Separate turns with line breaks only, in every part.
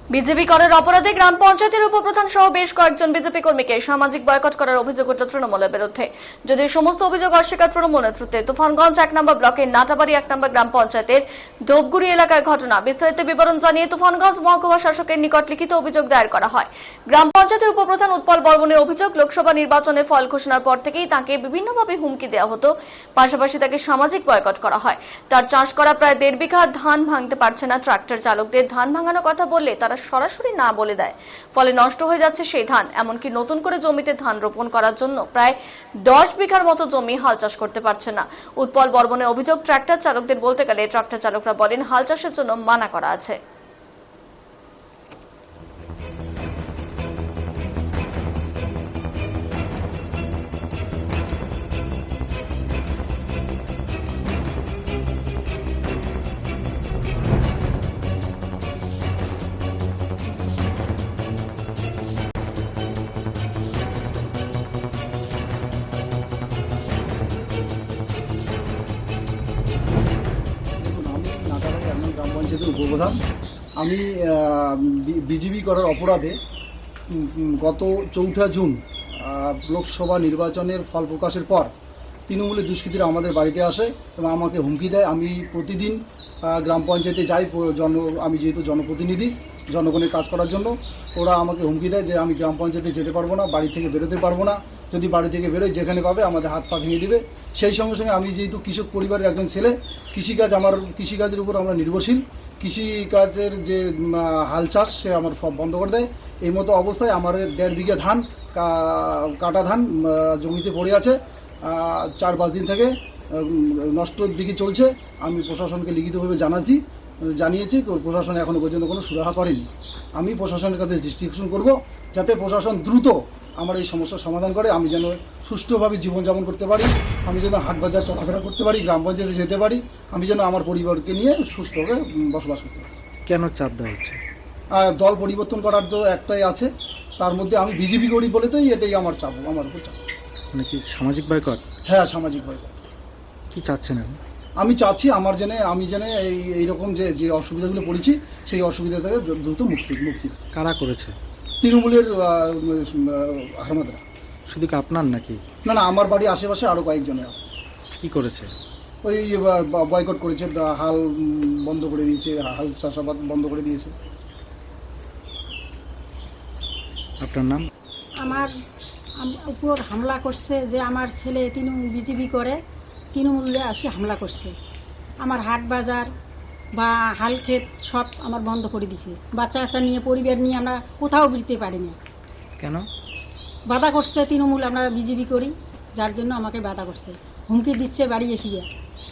BJP করার অপরাধে গ্রাম পঞ্চায়েতের উপপ্রধান সহ বেশ কয়েকজন বিজেপি কর্মীকে সামাজিক বয়কট করার অভিযোগ উঠল তৃণমূলের বিরুদ্ধে। যদিও সমস্ত অভিযোগ অস্বীকার তৃণমূল নেতৃত্বে। তুফানগঞ্জ ১ নম্বর ব্লকের নাটাবাড়ি ১ নম্বর গ্রাম পঞ্চায়েতের ধোপগুড়ি এলাকার ঘটনা। বিস্তারিত বিবরণ জানিয়ে তুফানগঞ্জ মহকুমা শাসকের নিকট লিখিত অভিযোগ দায়ের করা হয়। গ্রাম পঞ্চায়েতের উপপ্রধান উৎপল বর্মনের অভিযোগ, লোকসভা নির্বাচনের ফল ঘোষণার পর থেকেই তাকে বিভিন্নভাবে হুমকি দেওয়া হতো, পাশাপাশি তাকে সামাজিক বয়কট করা হয়। তার চাষ করা প্রায় ১.৫ বিঘা ধান ভাঙতে পারছে না। ট্রাক্টর চালকদের ধান ভাঙানোর কথা বললে তারা সরাসরি না বলে দেয়, ফলে নষ্ট হয়ে যাচ্ছে সেই ধান। এমনকি নতুন করে জমিতে ধান রোপণ করার জন্য প্রায় ১০ বিঘার মতো জমি হাল চাষ করতে পারছে না। উৎপল বর্মনের অভিযোগ, ট্রাক্টর চালকদের বলতে গেলে ট্রাক্টর চালকরা বলেন হাল চাষের জন্য মানা করা আছে।
গ্রাম পঞ্চায়েতের উপপ্রধান। আমি বিজেপি করার অপরাধে গত ৪ঠা জুন লোকসভা নির্বাচনের ফল প্রকাশের পর তৃণমূলের দুষ্কৃতীরা আমাদের বাড়িতে আসে এবং আমাকে হুমকি দেয়। আমি প্রতিদিন গ্রাম পঞ্চায়েতে যাই, আমি যেহেতু জনপ্রতিনিধি, জনগণের কাজ করার জন্য। ওরা আমাকে হুমকি দেয় যে আমি গ্রাম পঞ্চায়েতে যেতে পারবো না, বাড়ি থেকে বেরোতে পারবো না। যদি বাড়ি থেকে বেরোয় যেখানে পাবে আমাদের হাত পা ভেঙে দেবে। সেই সঙ্গে সঙ্গে আমি যেহেতু কৃষক পরিবারের একজন ছেলে, কৃষিকাজের উপর আমরা নির্ভরশীল। কৃষিকাজের যে হাল চাষ সে আমার সব বন্ধ করে দেয়। এই মতো অবস্থায় আমার ১.৫ বিঘা ধান, কাটা ধান জমিতে পড়ে আছে। ৪-৫ দিন থেকে নষ্টর দিকে চলছে। আমি প্রশাসনকে লিখিতভাবে জানিয়েছি, প্রশাসন এখনও পর্যন্ত কোনো সুরাহা করেনি। আমি প্রশাসনের কাছে দৃষ্টি আকর্ষণ করব যাতে প্রশাসন দ্রুত আমার এই সমস্যার সমাধান করে। আমি যেন সুষ্ঠুভাবে জীবনযাপন করতে পারি, আমি যেন হাট বাজার চলাফেরা করতে পারি, গ্রাম পঞ্চায়েতে যেতে পারি, আমি যেন আমার পরিবারকে নিয়ে সুস্থভাবে বসবাস করতে পারি।
কেন চাপ দেওয়া হচ্ছে?
দল পরিবর্তন করার তো একটাই আছে, তার মধ্যে আমি বিজেপি করি বলে তো এটাই আমার চাপ, আমার উপর চাপ।
মানে কি সামাজিক বয়কট?
হ্যাঁ, সামাজিক বয়কট।
কি চাচ্ছেন এখন?
আমি চাচ্ছি আমি যেন এইরকম যে অসুবিধাগুলো পড়েছি সেই অসুবিধা থেকে দ্রুত মুক্তি।
কারা করেছে?
তৃণমূলের হারমাদরা।
শুধু কি আপনার নাকি?
না, আমার বাড়ি আশেপাশে আরও কয়েকজনের আছে।
কি করেছে?
ওই বয়কট করেছে, হাল বন্ধ করে দিয়েছে, হাল চাষাবাদ বন্ধ করে দিয়েছে।
আপনার নাম?
আমার উপর হামলা করছে যে আমার ছেলে বিজেপি করে, তৃণমূলে আসি হামলা করছে। আমার হাট বাজার বা হাল ক্ষেত সব আমার বন্ধ করে দিছে। বাচ্চা কাচ্চা নিয়ে, পরিবার নিয়ে আমরা কোথাও বেরোতে পারি না।
কেন
বাধা করছে তৃণমূল, আমরা বিজেপি করি, যার জন্য আমাকে বাধা করছে, হুমকি দিচ্ছে বাড়ি এসিয়া।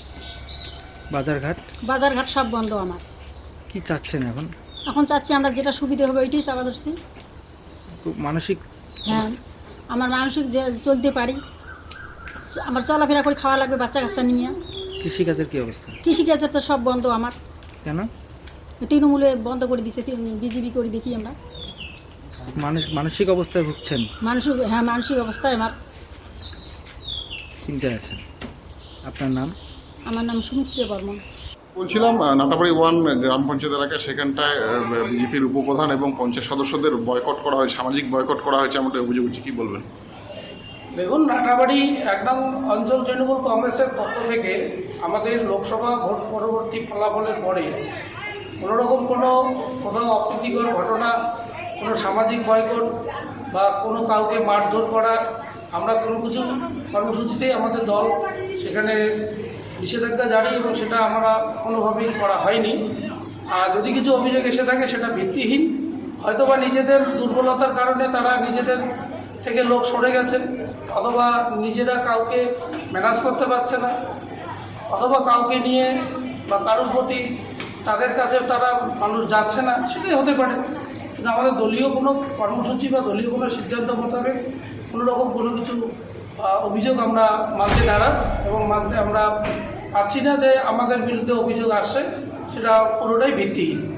বাজারঘাট সব বন্ধ আমার।
কি চাচ্ছেন এখন?
এখন চাচ্ছি আমরা যেটা সুবিধা হবে ওইটাই চাপা ধরছি।
মানসিক?
হ্যাঁ, আমার মানসিক যে চলতে পারি, আমার চলাফেরা করে খাওয়া লাগবে বাচ্চা কাচ্চা নিয়ে।
কৃষিকাজের কি অবস্থা?
কৃষিকাজের তো সব বন্ধ আমার।
কেন?
তৃণমূলে বন্ধ করে দিছে, বিজেপি করি দেখি আমরা।
মানসিক অবস্থায় ভুগছেন?
মানসিক অবস্থায় আমার
চিন্তায় আছেন। আপনার নাম?
আমার নাম সুমিত্রা বর্মন।
বলছিলাম, নাটাবাড়ি 1 গ্রাম পঞ্চায়েত এলাকায় সেখানটায় বিজেপির উপপ্রধান এবং পঞ্চায়েত সদস্যদের বয়কট করা হয়েছে, সামাজিক বয়কট করা হয়েছে এমনটা অভিযোগ হচ্ছে, কী বলবেন?
দেখুন, নাটাবাড়ি ১ নং অঞ্চল তৃণমূল কংগ্রেসের পক্ষ থেকে আমাদের লোকসভা ভোট পরবর্তী ফলাফলের পরে কোনোরকম কোথাও অপ্রীতিকর ঘটনা, কোনো সামাজিক বয়কট বা কোনো কাউকে মারধর করা, আমরা কোনো কিছু কর্মসূচিতেই আমাদের দল সেখানে নিষেধাজ্ঞা জারি এবং সেটা আমরা কোনোভাবেই করা হয়নি। আর যদি কিছু অভিযোগ এসে থাকে সেটা ভিত্তিহীন, হয়তোবা নিজেদের দুর্বলতার কারণে তারা নিজেদের থেকে লোক সরে গেছেন, অথবা নিজেরা কাউকে ম্যানেজ করতে পারছে না, অথবা কাউকে নিয়ে বা কারোর প্রতি তাদের কাছে তারা মানুষ যাচ্ছে না, সেটাই হতে পারে। কিন্তু আমাদের দলীয় কোনো কর্মসূচি বা দলীয় কোনো সিদ্ধান্ত মোতাবেক কোনো কিছু অভিযোগ আমরা মানতে নারাজ এবং মানতে আমরা পাচ্ছি না যে আমাদের বিরুদ্ধে অভিযোগ আসছে, সেটা পুরোটাই ভিত্তিহীন।